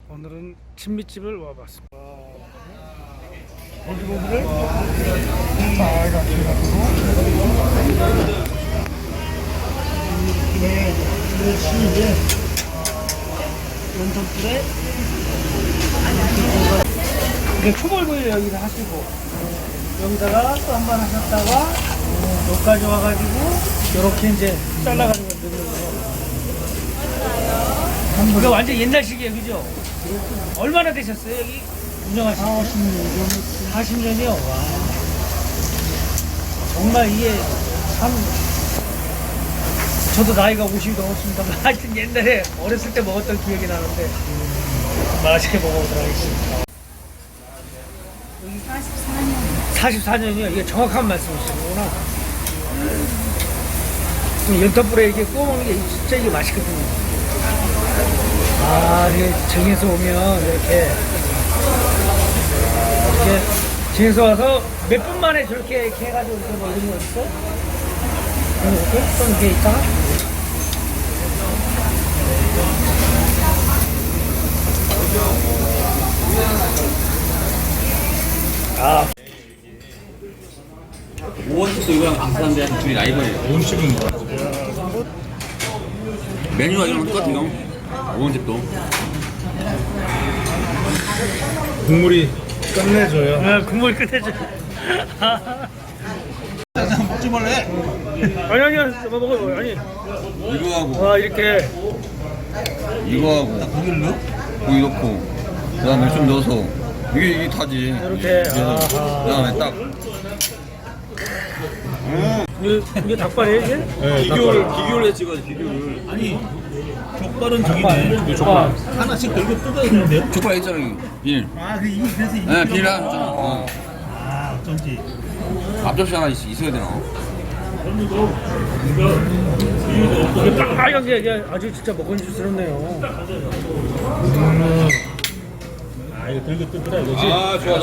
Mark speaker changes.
Speaker 1: 오늘은 진미집을 와봤습니다.
Speaker 2: 고기를 빨갛게 해가지고 이게 연탄불에 이게 초벌구이를 여기다 하시고 여기다가 또 한 번 하셨다가 여기까지 와가지고 이렇게 이제 잘라가지고 넣는 거예요. 이거 완전 옛날식이에요, 그죠? 얼마나 되셨어요, 여기 운영하신 지? 40년이요? 와. 정말 이게 참, 저도 나이가 50이 넘었습니다만, 하여튼 옛날에 어렸을 때 먹었던 기억이 나는데, 맛있게 먹어보도록 하겠습니다.
Speaker 3: 44년.
Speaker 1: 44년이요? 이게 정확한 말씀이시구나. 연탄불에 이게 구워 먹는 게 진짜 이게 맛있거든요. 아, 이게 정에서 오면 이렇게 정에서 와서 몇 분 만에 저렇게 해가지고 이렇게 뭐 이런 거 있어? 이렇게? 또 이렇게 있다가? 아,
Speaker 3: 오원집도 이거랑 비슷한데 둘이 라이벌이에요.
Speaker 2: 음식은
Speaker 3: 메뉴가 이랑 똑같아요. 오원집도.
Speaker 2: 국물이 끝내줘요.
Speaker 1: 아, 국물 끝내줘.
Speaker 2: 먹지 말래.
Speaker 1: 아니, 먹어요. 아니.
Speaker 3: 이거하고
Speaker 1: 와, 이렇게.
Speaker 3: 이거하고
Speaker 2: 고기를 넣어?
Speaker 3: 고기 넣고 그다음에 좀 넣어서 이게 다지.
Speaker 1: 이렇게. 아하.
Speaker 3: 그다음에 딱
Speaker 1: 이게 닭발이에요, 이게?
Speaker 2: 네,
Speaker 3: 비교를 찍어야지 비교를.
Speaker 2: 아니 족발은 저기네.
Speaker 1: 족발.
Speaker 2: 하나씩 들고 뜯어야 되는데요?
Speaker 3: 족발 있잖아 여기 비닐.
Speaker 2: 아, 그 이미 그래서 이미
Speaker 3: 네 비닐 하나 줬잖아.
Speaker 2: 아, 어쩐지.
Speaker 3: 앞접시 하나 있어야 되나?
Speaker 1: 이게 빨간 게 이게 아주 진짜 먹음직스럽네요.
Speaker 2: 아, 이거 들고 뜯으라 이거지.
Speaker 3: 아 좋아.